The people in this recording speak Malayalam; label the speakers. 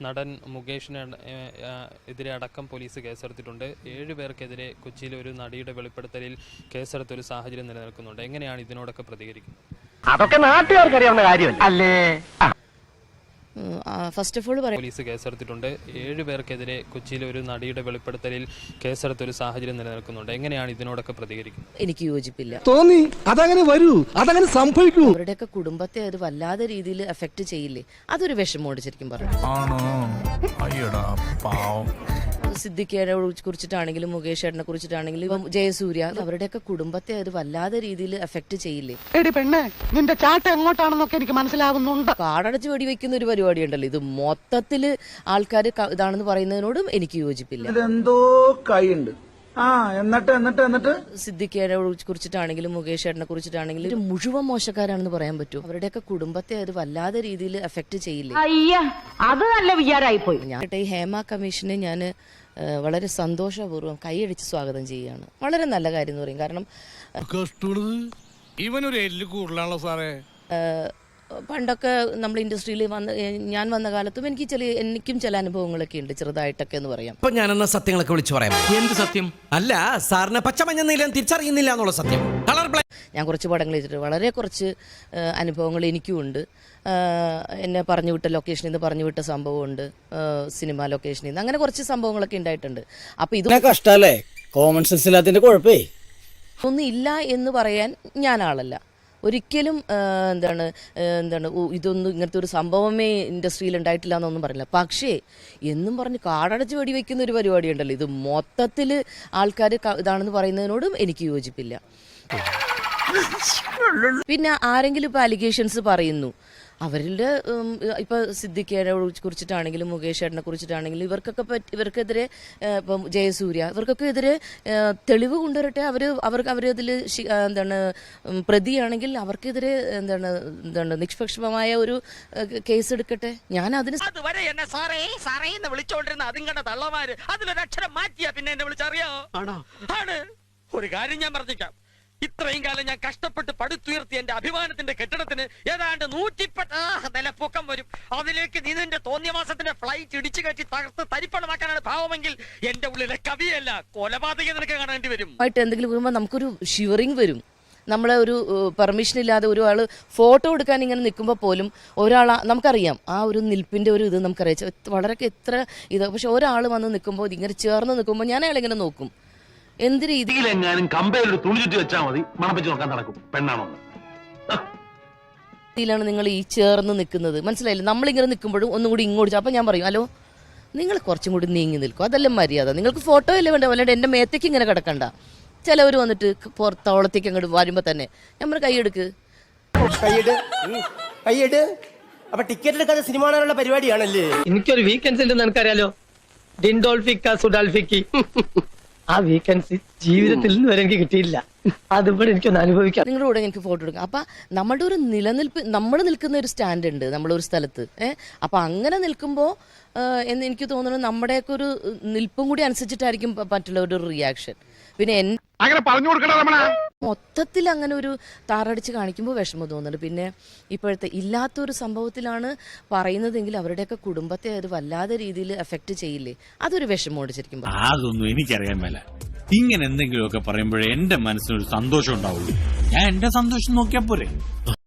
Speaker 1: നടൻ മുകേഷിന് എതിരെ അടക്കം പോലീസ് കേസെടുത്തിട്ടുണ്ട്. 7 പേർക്കെതിരെ കൊച്ചിയിലെ ഒരു നടിയുടെ വെളിപ്പെടുത്തലിൽ കേസെടുത്തൊരു സാഹചര്യം നിലനിൽക്കുന്നുണ്ട്. എങ്ങനെയാണ് ഇതിനോടൊക്കെ പ്രതികരിക്കുന്നത്?
Speaker 2: അതൊക്കെ നാട്ടുകാർക്ക് അറിയാവുന്ന കാര്യമല്ല അല്ലേ?
Speaker 3: ഫസ്റ്റ് ഓഫ് ഓൾ
Speaker 1: പോലീസ് കേസെടുത്തിട്ടുണ്ട്. 7 പേർക്കെതിരെ കൊച്ചിയിലെ ഒരു നടിയുടെ വെളിപ്പെടുത്തലിൽ കേസെടുത്തൊരു സാഹചര്യം നിലനിൽക്കുന്നുണ്ട്. എങ്ങനെയാണ് ഇതിനോടൊക്കെ പ്രതികരിക്കുന്നത്?
Speaker 3: എനിക്ക് യോജിപ്പില്ല.
Speaker 4: തോന്നി അതങ്ങനെ വരൂ, അതങ്ങനെ സംഭവിക്കൂ.
Speaker 3: അവരുടെയൊക്കെ കുടുംബത്തെ അത് വല്ലാതെ രീതിയിൽ എഫക്ട് ചെയ്യില്ലേ? അതൊരു വിഷമമുണ്ട് ശരിക്കും പറഞ്ഞു. സിദ്ദിഖിനെ കുറിച്ചിട്ടാണെങ്കിലും മുകേഷ് ചേട്ടനെ കുറിച്ചിട്ടാണെങ്കിലും ഇപ്പം ജയസൂര്യ, അവരുടെയൊക്കെ കുടുംബത്തെ അത് വല്ലാതെ രീതിയിൽ എഫക്ട് ചെയ്യില്ലേ?
Speaker 2: എടി പെണ്ണെ, നിന്റെ ചാട്ട എങ്ങോട്ടാണെന്നൊക്കെ എനിക്ക് മനസ്സിലാവുന്നുണ്ട്.
Speaker 3: കാടടച്ച് വെടിവെക്കുന്ന ഒരു പരിപാടി ഉണ്ടല്ലോ, ഇത് മൊത്തത്തില് ആൾക്കാർ ഇതാണെന്ന് പറയുന്നതിനോടും എനിക്ക് യോജിപ്പില്ല.
Speaker 5: എന്തോ കൈയുണ്ട്. എന്നിട്ട്
Speaker 3: സിദ്ദിഖിനെ കുറിച്ചിട്ടാണെങ്കിലും മുകേഷ് ചേട്ടനെ കുറിച്ചിട്ടാണെങ്കിലും ഒരു മുഴുവൻ മോശക്കാരാണെന്ന് പറയാൻ പറ്റും. അവരുടെയൊക്കെ കുടുംബത്തെ അത് വല്ലാതെ രീതിയിൽ എഫക്ട് ചെയ്യില്ലേ?
Speaker 2: അത് നല്ല വിചാരമായി പോയി.
Speaker 3: ഞാൻ ഈ ഹേമ കമ്മീഷനെ ഞാൻ വളരെ സന്തോഷപൂർവ്വം കൈയടിച്ച് സ്വാഗതം ചെയ്യുകയാണ്. വളരെ നല്ല കാര്യം എന്ന് പറയും. കാരണം
Speaker 6: ഇവനൊരു എല്ല് കൂടുതലാണല്ലോ സാറേ.
Speaker 3: പണ്ടൊക്കെ നമ്മൾ ഇൻഡസ്ട്രിയിൽ ഞാൻ വന്ന കാലത്തും എനിക്കും ചില അനുഭവങ്ങളൊക്കെ ഉണ്ട്, ചെറുതായിട്ടൊക്കെ എന്ന് പറയാം.
Speaker 7: അപ്പൊ ഞാനെന്ന സത്യങ്ങളൊക്കെ വിളിച്ചു പറയാം.
Speaker 6: എന്ത് സത്യം?
Speaker 7: അല്ല, സാറിന് പച്ചമഞ്ഞ നീലം തിരിച്ചറിയുന്നില്ല എന്നുള്ള സത്യം.
Speaker 3: ഞാൻ കുറച്ച് പടങ്ങൾ ചെയ്തിട്ട് വളരെ കുറച്ച് അനുഭവങ്ങൾ എനിക്കും ഉണ്ട്. എന്നെ പറഞ്ഞു വിട്ട ലൊക്കേഷനിൽ നിന്ന് പറഞ്ഞു വിട്ട സംഭവമുണ്ട്, സിനിമ ലൊക്കേഷനിൽ നിന്ന്, അങ്ങനെ കുറച്ച് സംഭവങ്ങളൊക്കെ ഉണ്ടായിട്ടുണ്ട്. അപ്പൊ ഇത്
Speaker 4: കഷ്ടല്ലേ, കോമൺ സെൻസ് ഇല്ലാത്തതിന്റെ കുഴപ്പേ.
Speaker 3: ഒന്നും ഇല്ല എന്ന് പറയാൻ ഞാൻ ആളല്ല ഒരിക്കലും. എന്താണ് ഇതൊന്നും ഇങ്ങനത്തെ ഒരു സംഭവമേ ഇൻഡസ്ട്രിയിൽ ഉണ്ടായിട്ടില്ല എന്നൊന്നും പറയില്ല. പക്ഷേ എന്നും പറഞ്ഞ് കാടടച്ച് വെടിവെക്കുന്ന ഒരു പരിപാടി ഉണ്ടല്ലോ, ഇത് മൊത്തത്തിൽ ആൾക്കാർ ഇതാണെന്ന് പറയുന്നതിനോടും എനിക്ക് യോജിപ്പില്ല. പിന്നെ ആരെങ്കിലും ഇപ്പൊ അലിഗേഷൻസ് പറയുന്നു, അവരുടെ ഇപ്പൊ സിദ്ദിഖിനെ കുറിച്ചിട്ടാണെങ്കിലും മുകേഷ് ചേട്ടനെ കുറിച്ചിട്ടാണെങ്കിലും ഇവർക്കെതിരെ ഇപ്പം ജയസൂര്യ, ഇവർക്കൊക്കെ എതിരെ തെളിവ് കൊണ്ടുവരട്ടെ. അവരതിൽ എന്താണ് പ്രതിയാണെങ്കിൽ അവർക്കെതിരെ എന്താണ് നിഷ്പക്ഷമായ ഒരു കേസ് എടുക്കട്ടെ. ഞാൻ അതിന്
Speaker 8: ഒരു കാര്യം ഞാൻ പറഞ്ഞേക്കാം. ഇത്രയും കാലം ഞാൻ കഷ്ടപ്പെട്ട് പടുത്തുയർത്തി എന്റെ അഭിമാനത്തിന്റെ കെട്ടിടത്തിന് ഏതാണ്ട് 110 നിലപ്പൊക്കം വരും. അതിലേക്ക് നീ നിന്റെ തോന്നിയമാസത്തിന്റെ ഫ്ലൈറ്റ് ഇടിച്ചു കയറ്റി തകർത്ത് തരിപ്പണമാക്കാനാണ് ഭാവമെങ്കിൽ എന്റെ ഉള്ളിലെ കവിയല്ല കൊലപാതകം നിനക്ക് കാണേണ്ടി വരും.
Speaker 3: എന്തെങ്കിലും വരുമ്പോൾ നമുക്കൊരു ഷിവറിങ് വരും. നമ്മളെ ഒരു പെർമിഷൻ ഇല്ലാതെ ഒരാൾ ഫോട്ടോ എടുക്കാൻ ഇങ്ങനെ നിൽക്കുമ്പോൾ പോലും നമുക്കറിയാം ആ ഒരു നിൽപ്പിന്റെ ഒരു ഇത് നമുക്കറിയാം വളരെ എത്ര ഇത്. പക്ഷെ ഒരാൾ വന്ന് നിൽക്കുമ്പോൾ ഇങ്ങനെ ചേർന്ന് നിൽക്കുമ്പോൾ ഞാൻ അയാളിങ്ങനെ നോക്കും, എന്ത് രീതിയിലെങ്ങാനും കമ്പയിൽ തുണിച്ചിട്ട് വെച്ചാൽ മതി, മണപ്പിച്ച് നോക്കാൻ നടക്കും പെണ്ണാണോ രീതിയിലാണ് നിങ്ങൾ ഈ ചേർന്ന് നിൽക്കുന്നത്. മനസ്സിലായില്ലേ? നമ്മളിങ്ങനെ നിൽക്കുമ്പോഴും ഒന്നും കൂടി ഇങ്ങോട്ട്. അപ്പം ഞാൻ പറയും, ഹലോ നിങ്ങൾ കുറച്ചും കൂടി നീങ്ങി നിൽക്കും, അതല്ലേ മര്യാദ. നിങ്ങൾക്ക് ഫോട്ടോ അല്ലേ വേണ്ട, അല്ലാണ്ട് എൻ്റെ മേത്തേക്ക് ഇങ്ങനെ കിടക്കണ്ട. ചിലവർ വന്നിട്ട് പുറത്തോളത്തേക്ക് അങ്ങോട്ട് വരുമ്പോൾ തന്നെ നമ്മൾ കൈയെടുക്ക്.
Speaker 7: അപ്പൊ ടിക്കറ്റ് എടുക്കാതെ സിനിമ കാണാനുള്ള പരിപാടിയാണല്ലേ?
Speaker 2: എനിക്കൊരു വീക്കെൻഡ്സ് ഉണ്ടെന്ന് എനിക്കറിയാലോ. ഡിൻഡോൾഫിക്ക സുഡാൽഫിക്കി. ആ വീക്കെൻഡ്സ് ജീവിതത്തിൽ നിന്ന് വരെ എനിക്ക് കിട്ടിയില്ല. അതുപോലെ എനിക്കൊന്ന് അനുഭവിക്കാം.
Speaker 3: നിങ്ങളുടെ കൂടെ എനിക്ക് ഫോട്ടോ എടുക്കാം. അപ്പൊ നമ്മുടെ ഒരു നിലനിൽപ്പ്, നമ്മൾ നിൽക്കുന്ന ഒരു സ്റ്റാൻഡ് ഉണ്ട് നമ്മളൊരു സ്ഥലത്ത്. അപ്പൊ അങ്ങനെ നിൽക്കുമ്പോൾ എന്ന് എനിക്ക് തോന്നുന്നു നമ്മുടെയൊക്കെ ഒരു നിൽപ്പും കൂടി അനുസരിച്ചിട്ടായിരിക്കും മറ്റുള്ളവരുടെ ഒരു റിയാക്ഷൻ. പിന്നെ മൊത്തത്തിൽ അങ്ങനെ ഒരു താറടിച്ച് കാണിക്കുമ്പോൾ വിഷമം തോന്നുന്നുണ്ട്. പിന്നെ ഇപ്പോഴത്തെ ഇല്ലാത്തൊരു സംഭവത്തിലാണ് പറയുന്നതെങ്കിൽ അവരുടെയൊക്കെ കുടുംബത്തെ അത് വല്ലാതെ രീതിയിൽ എഫക്ട് ചെയ്യില്ലേ? അതൊരു വിഷമമുണ്ട് ശരിക്കും.
Speaker 6: അതൊന്നും എനിക്കറിയാൻ മേല. ഇങ്ങനെ എന്തെങ്കിലുമൊക്കെ പറയുമ്പോഴേ എന്റെ മനസ്സിനൊരു സന്തോഷം ഉണ്ടാവുള്ളൂ. ഞാൻ എന്റെ സന്തോഷം നോക്കിയാ പോരെ.